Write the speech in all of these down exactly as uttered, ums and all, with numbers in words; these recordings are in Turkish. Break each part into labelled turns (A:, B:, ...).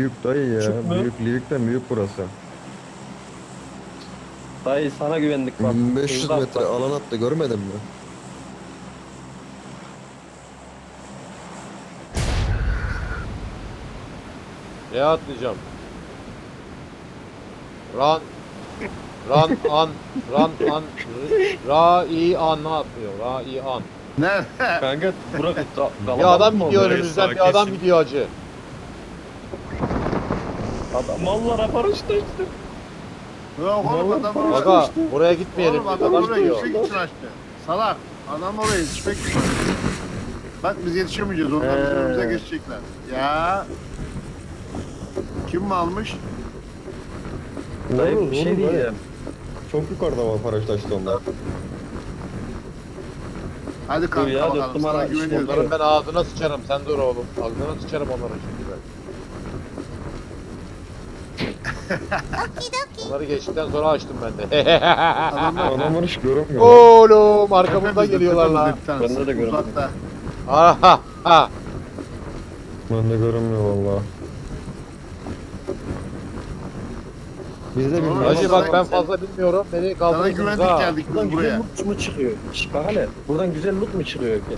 A: büyük dayı ya.
B: Küçük mü?
A: Büyük Livik'ten büyük burası.
B: Dayı sana güvendik bak.
A: bin beş yüz
B: Hızlı
A: metre
B: atla.
A: alan attı, görmedin mi?
C: Ne atlayacağım? Run. Run an. Run an. Ra i an ne atlıyor? Ra i an.
D: Nerede?
B: Kanka Burak da,
C: Bir adam
B: mı
C: gidiyor
B: oldu?
C: önümüzden, bir adam gidiyor acı.
B: Adam mallara paraşüt açtı.
D: Yok oğlum adam oraya
C: Aga buraya gitmeyelim.
D: Oğlum
C: Biz,
D: adam
C: adam
D: oraya
C: gidiyor.
D: yüksek için açtı. Salak. Adam oraya yüksek için açtı. Bak biz yetişemeyeceğiz. Onlar bizim
B: He.
D: önümüze geçecekler. Ya. Kim mi almış?
B: Dayı
A: Olur,
B: bir şey
A: olur,
B: diyeceğim.
A: dayı. Çok yukarıda var paraşüt açtı onlar.
D: Hadi
B: Dur
D: kanka
B: ya,
D: bakalım.
B: dört
D: Sana
B: numara
D: güveniyoruz.
C: Onların ben ağzına sıçarım. Sen dur oğlum. Ağzına sıçarım onların şimdi ben. Onları geçtikten sonra açtım ben de.
D: Adamlar
A: Adamlar hiç görünmüyor.
C: Oğlum arkamızda
D: tepemizde,
C: geliyorlar lan.
D: tepemizde bir tanesi.
B: Bende de görmedim.
D: Uzakta.
C: Aha ha.
A: Ben de görünmüyor valla. Biz de
D: Oğlum,
A: bilmiyoruz.
C: Hacı
D: Sana-
C: bak ben fazla bilmiyorum. Beni
D: Sana
C: kaldırırsınız
D: güvendik
C: ha.
D: geldik
B: Buradan
D: biz
B: güzel
D: buraya.
B: loot mu çıkıyor? Şş, bak hele. Buradan güzel loot mu çıkıyor ki?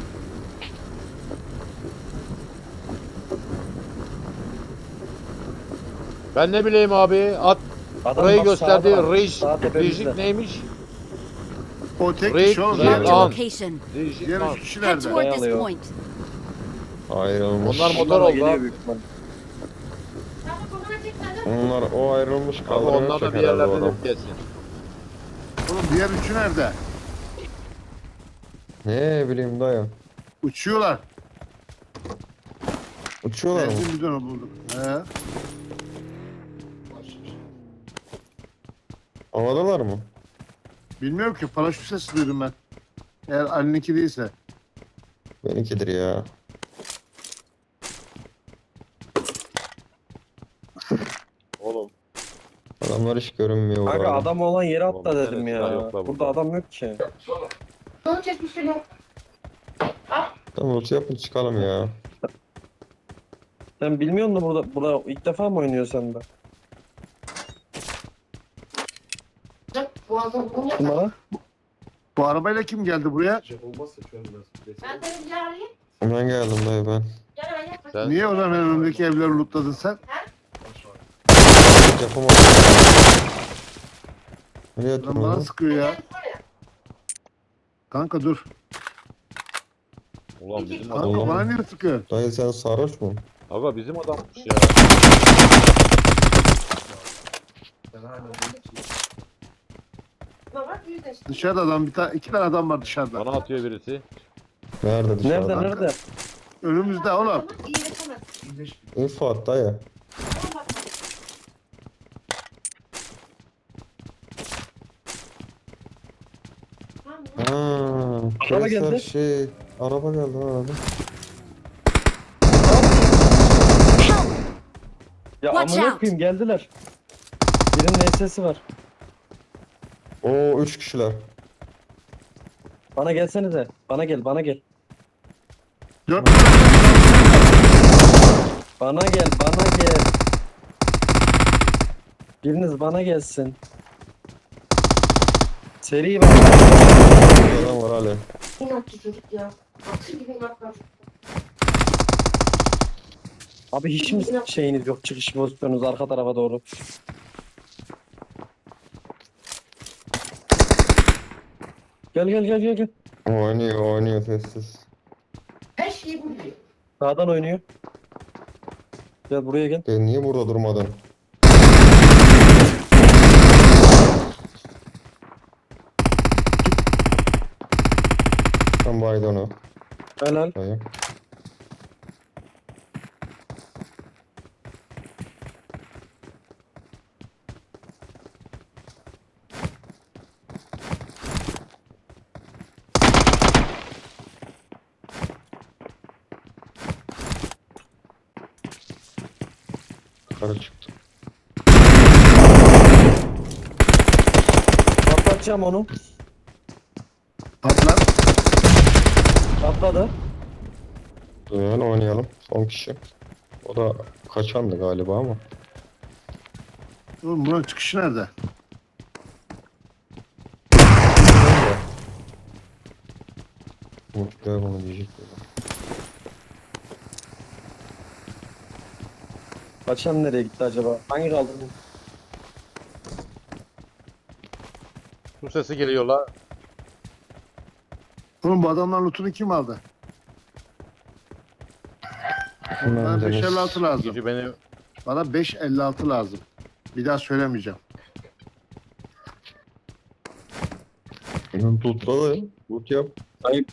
C: Ben ne bileyim abi. At
B: Adam
C: burayı
B: bak
C: gösterdi.
B: sağda bak,
C: Rij.
B: sağ tepemizde.
C: Rijik neymiş?
D: O tek
C: Raid-
D: kişi oğlum.
C: Raid
D: Diğer,
C: on.
E: Marked a location.
C: Rijik
D: diğer
C: lan.
D: üç kişi
E: Head
D: nerede?
E: toward this
B: Dayanıyor.
E: point.
A: Ayrılmış.
C: Onlar motor
B: Bunlar da
C: oldu
B: geliyor
C: abi.
B: büyük ihtimal.
E: Onlar
A: Onlar o ayrılmış
C: Abi
A: kaldırıyor.
C: onlar da bir
A: herhalde o
C: yerlerde
A: adam.
C: de gelsin.
D: Oğlum diğer üçü nerede?
A: Ne bileyim dayı.
D: Uçuyorlar.
A: Uçuyorlar mı?
D: Benzin bidonu bulduk. He.
A: Havadalar mı?
D: Bilmiyorum ki paraşüt sesi duydum ben. Eğer Ali'ninki değilse.
A: Benimkidir ya.
C: Oğlum.
A: Adamlar hiç görünmüyor.
B: Kanka
A: burada.
B: adam olan yere atla
C: Oğlum,
B: dedim
C: evet,
B: ya.
C: yok la burada.
B: Burada adam yok ki.
A: Tamam ulti yapın çıkalım ya.
B: Sen bilmiyor musun burada, burada ilk defa mı oynuyorsun sen de? Numara?
D: Bu arabayla kim geldi buraya?
A: Ben geldim dayı ben.
C: Sen
D: Niye o zaman önümdeki evleri lootladın sen?
A: Yapamadım. Nereye
D: Lan
A: atıyorsun
D: bana
A: onu?
D: sıkıyor ya. Kanka dur.
C: ulan bizim
D: Kanka
C: adam.
A: Allah.
D: bana niye sıkıyor?
A: Dayı sen sarhoş mu?
C: Aga bizim adammış ya.
D: Dışarıda adam bir tane iki tane adam var dışarıda.
C: Bana atıyor birisi.
A: Nerede dışarıda?
B: Nerede nerede?
D: Önümüzde oğlum.
A: İnfo at dayı. Haa,
B: Araba
A: Kevser
B: geldi.
A: şey, araba geldi ha abi.
B: Ya
E: Watch
B: amına
E: out.
B: koyayım geldiler. Birinin sesi var.
A: Oo üç kişiler.
B: Bana gelsenize. Bana gel bana gel.
D: Dört
B: Bana gel bana gel. Biriniz bana gelsin. Seri var.
A: Bir adam var hala.
F: İnatçı çocuk ya. Atı gibi inatlar.
B: Abi hiç mi şeyiniz yok çıkış pozisyonunuz arka tarafa doğru. Gel gel gel gel gel.
A: Oynuyor oynuyor sessiz.
F: Her şeyi biliyor.
B: Sağdan oynuyor. Gel buraya gel.
A: E, niye burada durmadın? Ben baydı onu.
B: Helal.
A: Dayı. Yukarı çıktı.
B: Patlatacağım onu.
D: Patlar.
B: Patladı.
A: Duyun oynayalım. Son kişi. O da kaçandı galiba ama.
D: Oğlum buranın çıkışı nerede?
A: Umut gel bunu diyecek.
B: Kaçan nereye gitti acaba? Hangi kaldı?
C: Su sesi geliyor la.
D: Oğlum bu adamlar lootunu kim aldı?
A: Hemen
D: Bana beş
A: Deniz.
D: elli altı lazım.
C: Gücü beni
D: Bana beş elli altı lazım. Bir daha söylemeyeceğim.
A: Tutla da ya. Tut yap.
B: Ayıp.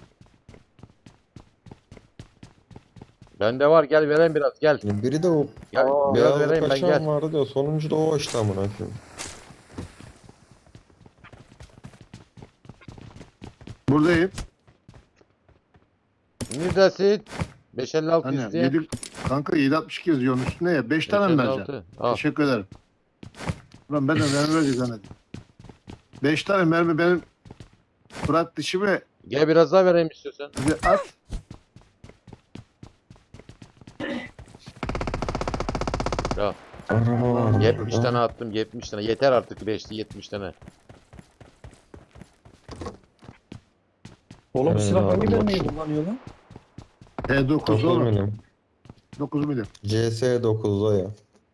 C: bende var, gel vereyim biraz, gel.
A: Biri de o
C: Gel
B: Aa,
C: biraz
A: beyazlı
C: vereyim ben,
A: kaçan
C: gel.
A: vardı ya. Sonuncu da o işte amına koyayım.
D: Buradayım.
C: Neredesin? beş elli altı
D: Hani
C: isteyen.
D: yedi, kanka yedi altmış iki yazıyorsun üstüne ya. beş tane mi vereceğim?
C: beş elli altı. Al.
D: Teşekkür ederim. Ulan ben de mermi vereceğim zannettim. beş tane mermi benim bırak dişimi
C: Gel biraz daha vereyim istiyorsan.
D: bize at.
C: Ya
A: Araba var.
C: yetmiş
A: burada.
C: tane attım, yetmiş tane. Yeter artık, beşti yetmiş tane.
B: Oğlum
A: Evet,
B: silah hangi
A: abi,
B: mermiyi
A: bak.
B: kullanıyor lan?
D: T dokuz
A: dokuz
D: oğlum.
A: milim.
D: dokuz milim.
A: C S dokuzda ya.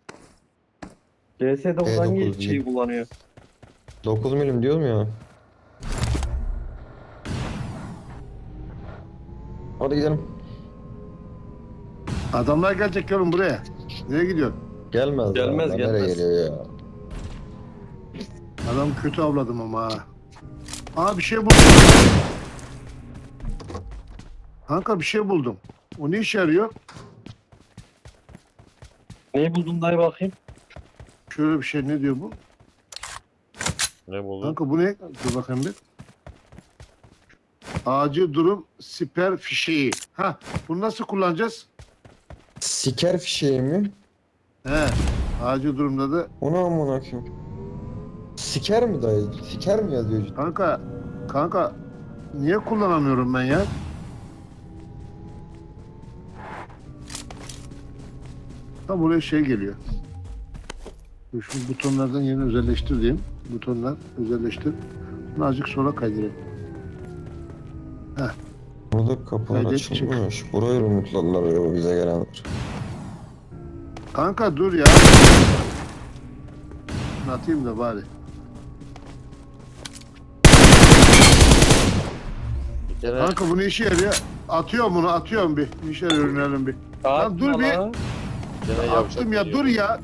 B: C S dokuz
A: E
B: hangi
A: dokuz
B: şeyi
A: değil.
B: kullanıyor?
A: dokuz milim diyorum ya. Hadi gidelim.
D: Adamlar gelecek oğlum buraya. Nereye gidiyorsun?
A: Gelmez.
B: Gelmez,
A: ya.
B: gelmez.
A: Nereye geliyor ya?
D: Adam kötü avladım ama ha. Aa bir şey buldum. Kanka bir şey buldum. O ne işe yarıyor?
B: Neyi buldun dayı bakayım?
D: Şöyle bir şey, ne diyor bu?
C: Ne buldun?
D: Kanka bu ne? Dur bakayım bir. Acil durum siper fişeği. Ha, bunu nasıl kullanacağız?
A: Siker fişeği mi?
D: He. Acil durumda da
A: Onu amına koyayım. Siker mi dayı? Siker mi yazıyor?
D: kanka kanka niye kullanamıyorum ben ya? Tam buraya şey geliyor. Dur, şu butonlardan yerini özelleştir diyeyim. Butonlar özelleştir. Bunu azıcık sola kaydırayım.
A: Burada kapılar
D: Kaydet, çık.
A: açılmış. Burayı unutladılar ya bize gelenler.
D: Kanka dur ya. Bunu atayım da bari.
C: Bir tane
D: Kanka bu ne işe yarıyor? Atıyorum bunu, atıyorum bir. Bir işe yarıyor, önerim bir. Lan dur bir.
B: Lan.
C: bir tane yavşak
D: Attım ya,
C: geliyor.
D: dur ya.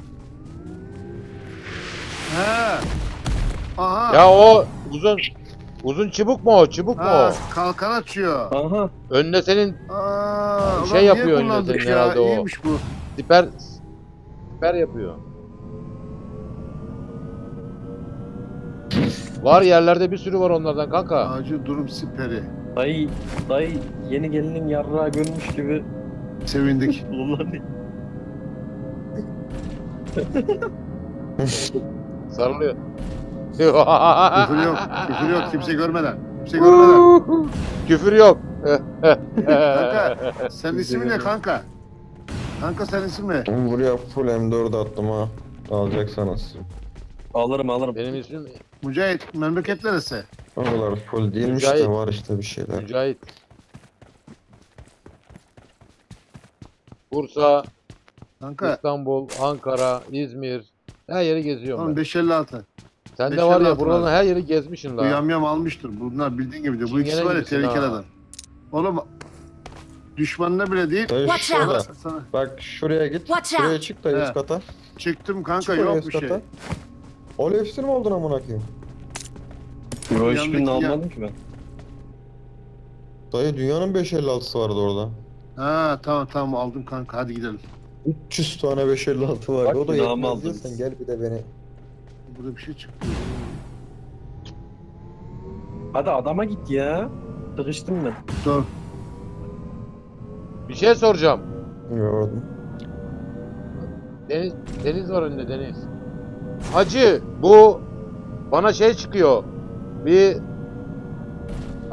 D: He. Aha.
C: Ya o uzun uzun çubuk mu o? Çubuk mu
D: Ha,
C: o?
D: kalkan açıyor.
B: Aha.
C: Önüne senin
D: Aa,
C: Şey
D: ulan
C: yapıyor
D: niye
C: önüne
D: kullandık
C: senin
D: ya?
C: herhalde o.
D: İyiymiş bu.
C: siper siper yapıyor. Var yerlerde bir sürü var onlardan kanka.
D: Acil durum siperi.
B: Dayı, dayı yeni gelinin yarrağı görmüş gibi
D: Sevindik.
B: kullanıyor.
C: Sarılıyor.
D: Küfür yok. Küfür yok. Kimse görmeden. Kimse görmeden.
C: Küfür yok.
D: Kanka sen ismin ne kanka? Kanka sen ismin ne?
A: Ben buraya full M dört attım ha. Alacaksanız.
B: Alırım alırım.
C: Benim ismim
D: Mücahit. Memleket neresi?
A: O kadar full değilmiş
C: Mücahit.
A: de var işte bir şeyler.
C: Mücahit. Bursa,
D: Kanka.
C: İstanbul, Ankara, İzmir. Her yeri geziyorum
D: Oğlum
C: ben.
D: beş elli altı.
C: Sen de
D: beş
C: var
D: elli
C: ya
D: altı
C: buraların
D: var.
C: her yeri gezmişsin
D: Bu
C: la.
D: yamyam almıştır. Bunlar bildiğin gibi diyor. Bu ikisi
C: Çingene
D: var ya
C: gibisin
D: tehlikeli
C: ha.
D: adam. Oğlum düşmanına bile değil.
A: Dayı
E: Watch
A: şurada.
E: out.
D: Sana
A: Bak şuraya git.
E: Watch
A: Şuraya
E: out.
A: çık da
D: He.
A: üst kata.
D: çıktım kanka,
A: Çık oraya
D: yok
A: üst
D: bir şey.
A: kata. Olefsir mi oldun amına koyayım?
B: Yo
D: Yandaki
B: hiçbirini
D: ya-
B: almadım ki ben.
A: Dayı dünyanın beş elli altısı vardı orada.
D: Ha tamam tamam aldım kanka, hadi gidelim.
A: üç yüz tane beş elli altı vardı.
B: Bak,
A: O da
B: günahımı
A: yetmez
B: aldın.
A: diyorsan gel bir de beni.
D: Burada bir şey çıktı.
B: Hadi adama git ya. Sıkıştım ben.
D: Dur.
C: Bir şey soracağım.
A: Gördüm.
C: Deniz, deniz var önünde deniz. Hacı bu bana şey çıkıyor. Bir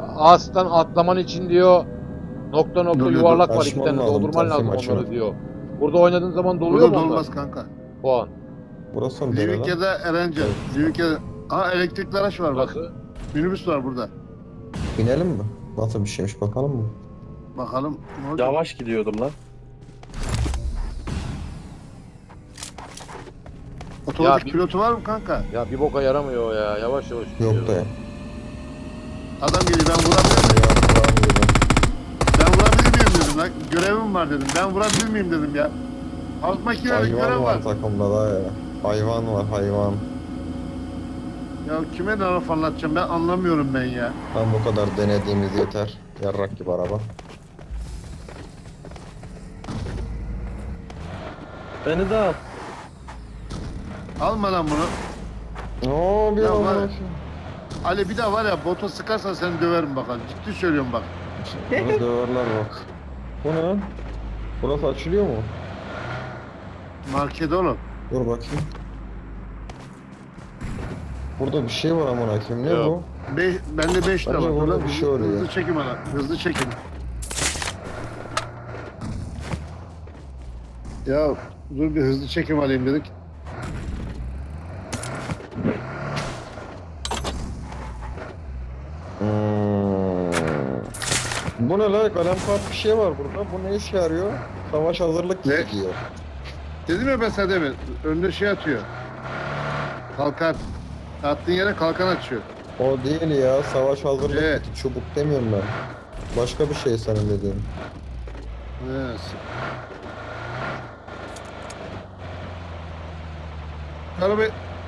C: ağaçtan atlaman için diyor nokta nokta
A: Dur, dur,
C: yuvarlak var, iki
A: açmam
C: tane
A: lazım,
C: doldurman
A: tersim
C: lazım
A: açıyorum.
C: onları diyor. Burada oynadığın zaman doluyor
D: Burada
C: mu onlar?
D: dolmaz kanka.
C: Puan.
A: Burası mı dere lan?
D: Livika'da Erencel. Livika'da... Aa elektrikli araç var bak.
C: Nasıl?
D: Minibüs var burada.
A: Binelim mi? Nasıl bir şeymiş bakalım mı?
D: Bakalım ne olacak?
B: Yavaş gidiyordum lan.
D: Otomatik
C: Ya bir-
D: pilotu var mı kanka?
C: Ya bir boka yaramıyor o ya. Yavaş yavaş gidiyor.
A: Yok da ya.
D: Adam geliyor ben vurabilir miyim? Ben vurabilir miyim dedim lan. Görevim var dedim. Ben vurabilir miyim dedim ya. Alt makinede görev
A: Hayvan
D: var.
A: var takımda da ya. Hayvan var hayvan.
D: Ya kime ne laf anlatacağım ben anlamıyorum ben ya.
A: Ben bu kadar denediğimiz yeter. Yarrak gibi araba.
B: Beni de al.
D: Alma lan bunu.
A: Oo bir
D: Ya
A: amına
D: var-
A: koyayım.
D: Ali bir daha var ya bota sıkarsan seni döverim bakalım. Ciddi söylüyorum bak.
A: Bunu döverler bak. Bu ne lan? Burası açılıyor mu?
D: Market oğlum.
A: Dur bakayım. Burada bir şey var amına koyayım. Ne
C: Yok.
A: bu?
D: Be bende beş lira
A: Bence
D: var. Dur
A: burada
D: lan,
A: bir
D: hızlı-
A: şey oluyor.
D: Hızlı çekim ana. Hızlı çekim. Ya dur bir hızlı çekim alayım dedik.
A: Hmm. Bu ne lan? Kalem kart bir şey var burada. Bu ne işe yarıyor? Savaş hazırlık
D: Ne?
A: kiti diyor.
D: Dedim ya ben sana demin. Önde şey atıyor. Kalkan. Attığın yere kalkan açıyor.
A: O değil ya. Savaş hazırlık
D: Evet.
A: kiti. Çubuk demiyorum ben. Başka bir şey senin dediğin.
D: Evet. Araba...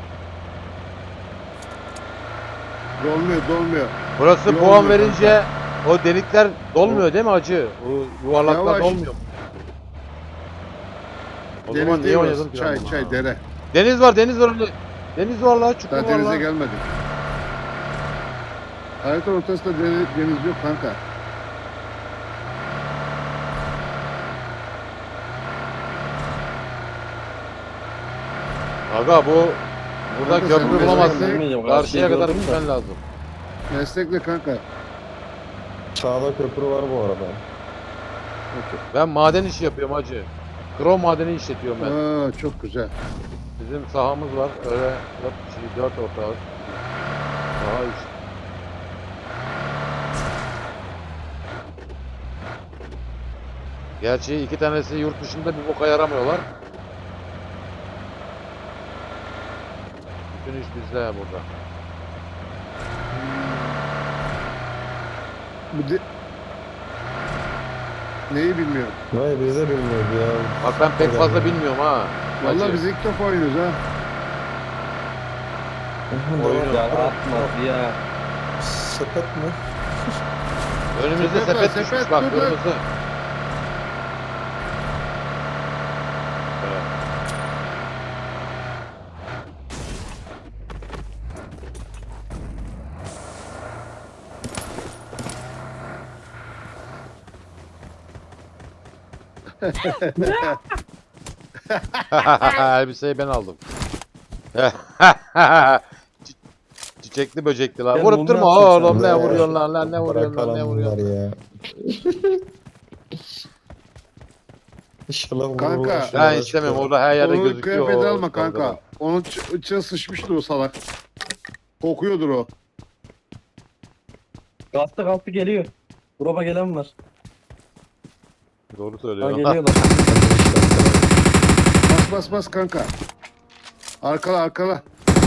D: Dolmuyor, dolmuyor.
C: Burası
D: Yol
C: puan
D: yok
C: verince o delikler dolmuyor değil mi acı? O yuvarlaklar
D: Yavaş.
C: dolmuyor. O zaman
D: Deniz
C: niye
D: değil
C: oynadın
D: orası.
C: ki
D: Çay,
C: ben bunu?
D: çay, dere.
C: Deniz var, deniz var öyle. Deniz var la, çukur
D: Daha
C: var
D: denize
C: la.
D: gelmedik. Harita ortasında deniz, deniz yok kanka.
C: Aga bu burada
D: Kanka sen
C: köprü
D: mesela-
C: bulamazsın.
B: Bilmeyeceğim,
C: Karşıya kadar
B: gördüm de.
C: gitmen lazım.
D: Meslekle kanka.
A: Sağda köprü var bu arada.
C: Ben maden işi yapıyorum hacı. Krom madeni işletiyorum ben.
D: Aa, çok güzel.
C: Bizim sahamız var. Öyle dört kişi, dört ortağız. Saha iş. Gerçi iki tanesi yurt dışında bir boka yaramıyorlar. Bütün iş bizde burada.
D: Bu de... Neyi bilmiyorum.
A: Vay bize bilmiyordu ya.
C: Bak ben pek fazla bilmiyorum ha.
D: Vallahi
C: Hacı.
D: biz ilk defa oynuyoruz ha.
C: Oyunu.
B: Ya atma ya.
A: Sepet mi?
C: Önümüzde
D: Sepet var,
C: sepet,
D: sepet,
C: düşmüş bak
D: dur lan.
C: kırmızı. Evet. Elbiseyi ben aldım. Çi- Çiçekli böcekli lan.
B: Ben
C: Vurup
B: bunu
C: durma
B: yaptım
C: oğlum,
B: sana.
C: ne
A: Be.
C: vuruyorsun lan lan, ne vuruyorsun lan, ne
A: Bırakalım
C: vuruyorsun.
A: bunları ya. İnşallah
D: Kanka.
A: vururlar,
C: Ben
A: şuralara
C: istemem,
A: çıkıyor.
C: orada her yerde
D: Onu
C: gözüküyor.
D: kıyafet
C: o
D: alma kanka.
C: dalgalar.
D: Onun ç- içine sıçmıştır o salak. Kokuyordur o.
B: Kalktı kalktı geliyor. Drop'a gelen var.
C: Doğru
B: Ha
C: söylüyorsun.
B: geliyorlar.
D: Bas bas bas kanka. Arkala arkala.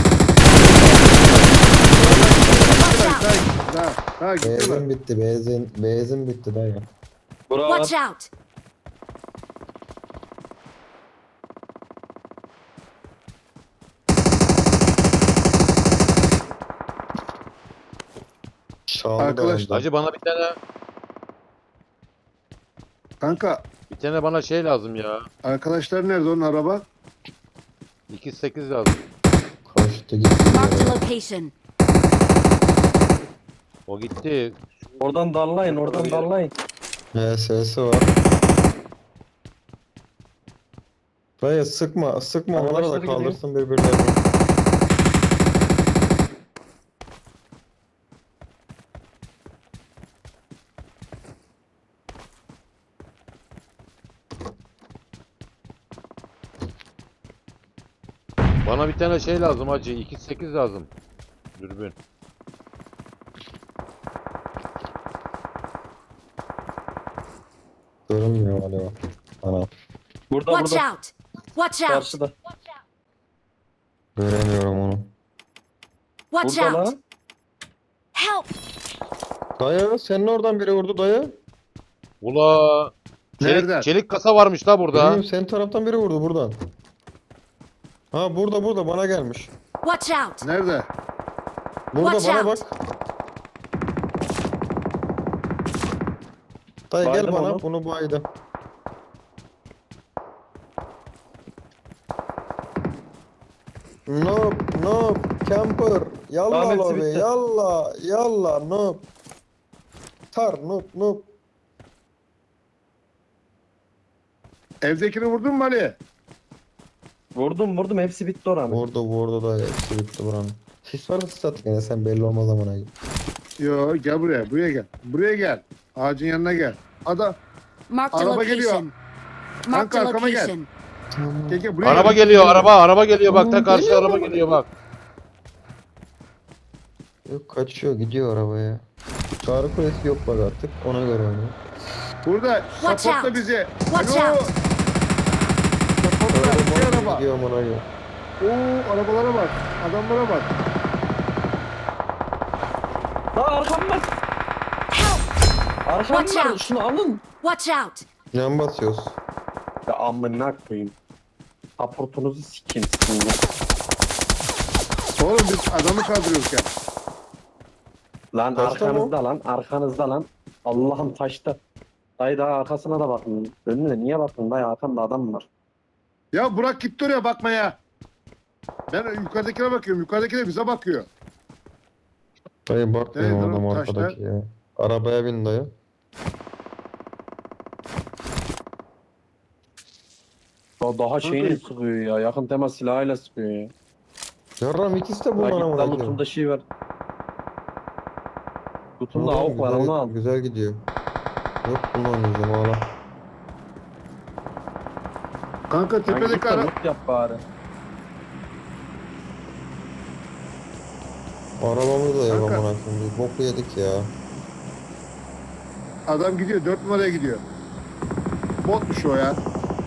D: Daha, daha, daha gittiler.
A: Benzin bitti, benzin, benzin bitti dayı.
B: Bravo.
E: Watch out!
A: Çaldı
D: Arkadaşlar,
A: da
C: Hacı bana bir tane
D: Kanka
C: bir tane bana şey lazım ya.
D: arkadaşlar nerede onun araba?
C: iki sekiz lazım.
A: Kaçtı gitti.
E: Marked a
A: ya.
E: location.
C: O gitti.
B: Oradan dallayın oradan dallayın.
A: H S'si var. Dayı sıkma, sıkma onları da
B: Arkadaşları gidiyor.
A: kaldırsın birbirlerini.
C: Bana bir tane şey lazım hacı. iki sekiz lazım. Dürbün.
A: Görünmüyor galiba. Ana.
B: Burada
E: Watch
B: burada.
E: out! Watch out!
B: Karşıda.
A: Göremiyorum onu.
E: Watch
B: Burada
E: out!
B: lan.
E: Help!
A: Dayı senin oradan biri vurdu dayı.
C: Ula.
D: Nereden?
C: Çelik, çelik kasa varmış la burada.
A: Bilmiyorum, senin taraftan biri vurdu buradan. Ha burada burada bana gelmiş.
E: Watch out!
D: Nerede?
A: Burada
E: Watch
A: bana bak.
E: out.
A: Dayı gel
B: Baydım
A: bana
B: onu.
A: bunu baydım. Noob noob camper yalla
B: Ahmet
A: lobi
B: Simit'te.
A: yalla yalla noob. Tar noob noob.
D: Evdekini vurdun mu Ali?
B: Vurdum vurdum hepsi bitti oranın.
A: Vurdu vurdu da hepsi bitti buranın. Sis varsa sis at gene sen belli olmaz amına gibi.
D: Yo gel buraya. Buraya gel. Buraya gel. Ağacın yanına gel. Adam.
E: Marked a
D: Araba geliyor.
E: location. Marked a
D: Kanka, arkama gel.
E: location.
D: Gel gel buraya
C: Araba
D: gel.
C: geliyor araba. Araba geliyor bak. Ta
A: Oğlum,
C: karşı
A: geliyor
C: araba
A: mu?
C: geliyor bak.
A: Yok kaçıyor gidiyor arabaya. Çağrı kulesi yok bak artık ona göre onu.
D: Burada.
E: Watch
D: Supportla
E: out.
D: bizi.
E: Watch
D: Alo.
E: out.
D: Supportla. Bir araba.
A: Gidiyor amına gibi.
D: Oo arabalara bak. Adamlara bak.
B: Lan arkam var.
E: Help!
B: Arkam
E: Watch
B: var.
E: out.
B: Şunu alın.
E: Watch out!
A: Yan basıyoruz.
B: Ya amına koyayım. Aportunuzu sikeyim sizin ya.
D: Oğlum biz adamı kaldırıyoruz ya.
B: Lan
A: Taşta mı?
B: arkanızda lan arkanızda lan. Allah'ım taşta. Dayı daha arkasına da bakın. Önüne niye bakın dayı arkamda adam var.
D: Ya Burak gitti oraya bakmaya. Ben yukarıdakine bakıyorum. Yukarıdaki de bize bakıyor.
A: Dayı bakmıyor
D: Evet,
A: adam
D: oğlum,
A: arkadaki ya. Arabaya bin dayı.
B: Ya daha şeyini
D: Kanka-
B: sıkıyor ya. Yakın temas silahıyla sıkıyor ya.
A: Yarram ikisi de
B: Bak
A: bundan
B: git
A: amına
B: lan
A: koyayım.
B: lutunda şey var. Lutunda
A: Oğlum,
B: avuk var
A: güzel-
B: onu al.
A: Güzel gidiyor. Yok bunu oynayacağım hala.
D: Kanka
B: Lan git
D: tepedeki
B: de
D: ara...
B: loot yap bari.
A: Arabamız da yok
D: Kanka.
A: amına koyayım. Biz boku yedik ya.
D: Adam gidiyor. Dört numaraya gidiyor. Botmuş o ya.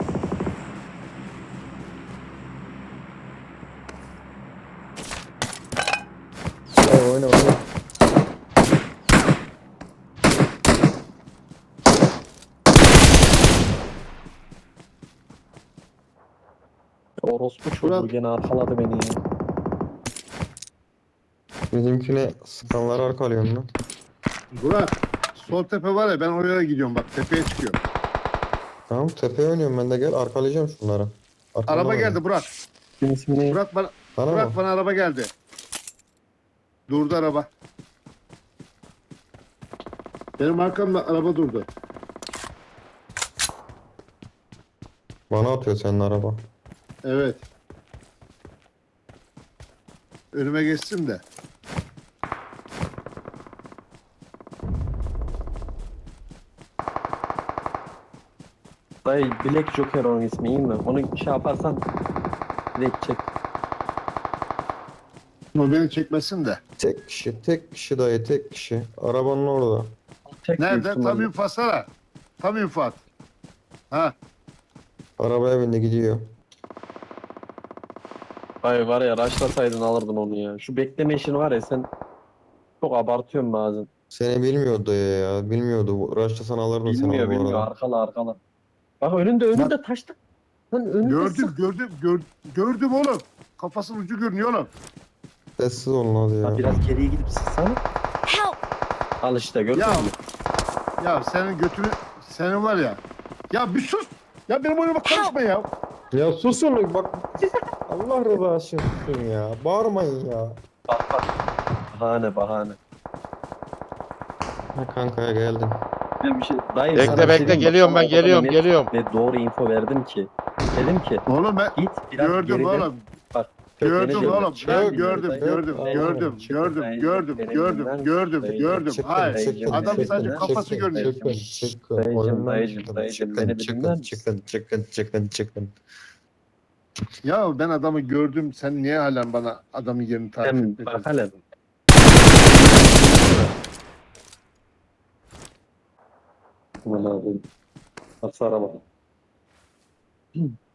A: Dayı oyna oyna.
B: Orospu çocuğu
D: Burak.
B: gene arkaladı beni ya.
A: Bizimkine sıkanları arkalıyorum lan.
D: Burak. Sol tepe var ya ben oraya gidiyorum bak. Tepeye çıkıyor.
A: Tamam tepeye oynuyorum ben de gel arkalayacağım şunları. Arkamdan
D: Araba
A: oyna.
D: geldi Burak.
B: Kimin ismini?
D: Burak bana,
A: Bana
D: Burak
A: mı?
D: bana araba geldi. Durdu araba. Benim arkamda araba durdu.
A: Bana atıyor senin araba.
D: Evet. Önüme geçsin de.
B: Dayı Black Joker onun ismi iyi mi? Onu şey yaparsan direkt çek.
D: O beni çekmesin de.
A: Tek kişi tek kişi dayı tek kişi. Arabanın orada.
B: Çek büyük
D: Nerede?
B: ihtimalle.
D: Tam infazsana. Tam infaz. Ha.
A: Arabaya bindi gidiyor.
B: Dayı var ya raşlasaydın alırdın onu ya. Şu bekleme işini var ya sen çok abartıyorsun bazen.
A: Seni bilmiyordu dayı ya. Bilmiyordu. Raşlasan alırdın sen
B: Bilmiyor
A: onu bu
B: bilmiyor
A: arada.
B: arkala arkala. Bak önünde önünde taşta. Lan önünde
D: Gördüm
B: sık.
D: gördüm gördüm. Gördüm oğlum. Kafasının ucu görünüyor oğlum.
A: Sessiz olun hadi ya.
B: Ha, biraz geriye gidip sıksana.
E: Help!
B: Al işte gördün
D: Ya.
B: mü?
D: Ya senin götünü senin var ya. Ya bir sus. Ya benim oyunuma karışma ya.
A: Ya susun bak. Allah rızası için susun ya. Bağırmayın ya.
B: Bak bak. Bahane bahane.
A: Ha kankaya geldim.
B: Ben bir şey, dayı sana
C: Bekle
B: bir şey
C: bekle
B: diyeyim mi?
C: geliyorum
B: Bak,
C: ben
B: sana o kadar
C: geliyorum
B: net
C: geliyorum.
B: Ve doğru info verdim ki. Dedim ki
D: Oğlum ben
B: git biraz
D: gördüm
B: geride.
D: oğlum.
B: Bak.
D: Gördüm
B: kökleneceğim.
D: oğlum.
A: Çık,
D: Ben
A: çık,
D: gördüm,
B: çık,
D: gördüm,
A: çık,
D: gördüm,
A: çık,
D: gördüm,
B: çık,
D: gördüm,
B: çık,
D: gördüm,
B: çık,
D: gördüm,
B: çık,
D: gördüm,
B: çık,
D: Hayır.
B: dayıcım,
D: Adam
B: dayıcım,
D: sadece
B: dayıcım,
D: kafası görünüyor.
A: Çıkın çıkın.
B: Dayıcım,
A: Oyundan
B: dayıcım,
A: çıkın,
B: dayıcım,
A: çıkın,
B: beni bir
A: çıkın,
B: dinler misin?
A: çıkın çıkın çıkın çıkın.
D: Ya ben adamı gördüm. Sen niye halen bana adamın yerini tarif
B: Hem
D: etmedin?
B: bak hele. Aman abi. Nasıl araba?